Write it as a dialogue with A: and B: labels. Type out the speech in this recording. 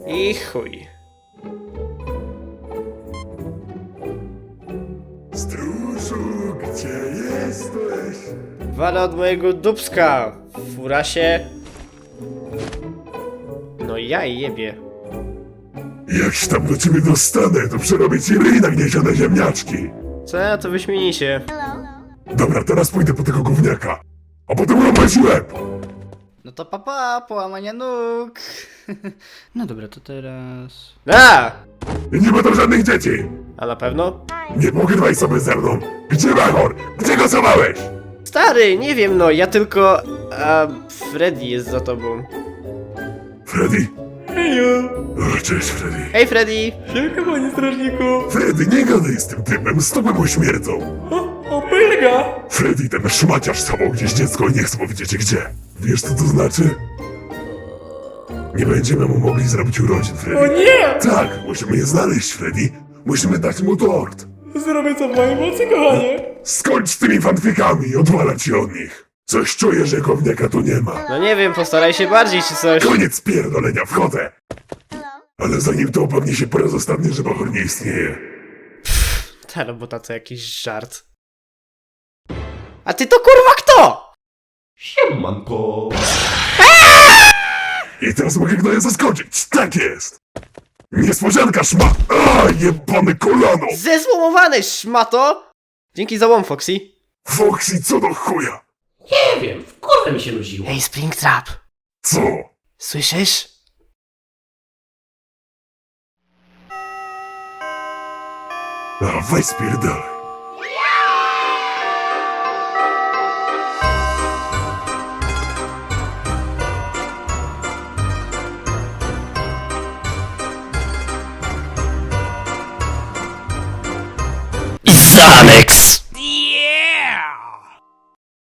A: I chuj.
B: Stróżu, gdzie jesteś?
A: Wala od mojego dupska, furasie. No ja jebie.
B: Jak się tam do ciebie dostanę, to przerobię ci ryj na gniezione ziemniaczki.
A: Co to wyśmienicie?
B: Dobra, teraz pójdę po tego gówniaka, a potem rąbać łeb.
C: No to papa, połamania nóg. No dobra, to teraz...
A: A!
B: I nie będą żadnych dzieci.
A: A na pewno?
B: Nie pogadaj sobie ze mną. Gdzie Mahor? Gdzie go schowałeś?
A: Stary, nie wiem no, ja tylko... A Freddy jest za tobą.
B: Freddy?
A: Heju!
B: O, cześć, Freddy.
A: Hej Freddy!
D: Siemka, panie strażniku!
B: Freddy, nie gadaj z tym typem, stopy mu śmierdzą.
D: O, pyrga!
B: Freddy, ten szmaciarz schował gdzieś dziecko i nie chcę powiedzieć gdzie. Wiesz co to znaczy? Nie będziemy mu mogli zrobić urodzin,
D: O
B: Freddy.
D: nie!
B: Tak, musimy je znaleźć, Freddy. Musimy dać mu tort.
D: Zrobię co w mojej mocy, kochanie!
B: Skończ z tymi fanfikami i odwalać się od nich. Coś czuję, że gówniaka tu nie ma.
A: No nie wiem, postaraj się bardziej czy coś.
B: Koniec pierdolenia, wchodzę. Ale zanim to upewni się po raz ostatni, że Mahor nie istnieje.
A: Ta robota to jakiś żart. A ty to kurwa kto?
E: Siemanko!
B: I teraz mogę gnoja zaskoczyć. Tak jest. Niespodzianka, szma... A, jebane kolano.
A: Zezłomowany szmato! Dzięki za łom, Foxy.
B: Foxy, co do chuja?
E: Nie wiem, w kurwę mi się nudziło.
A: Hej, Springtrap!
B: Co?
A: Słyszysz?
B: A, weź spierdalaj.
A: Isanex!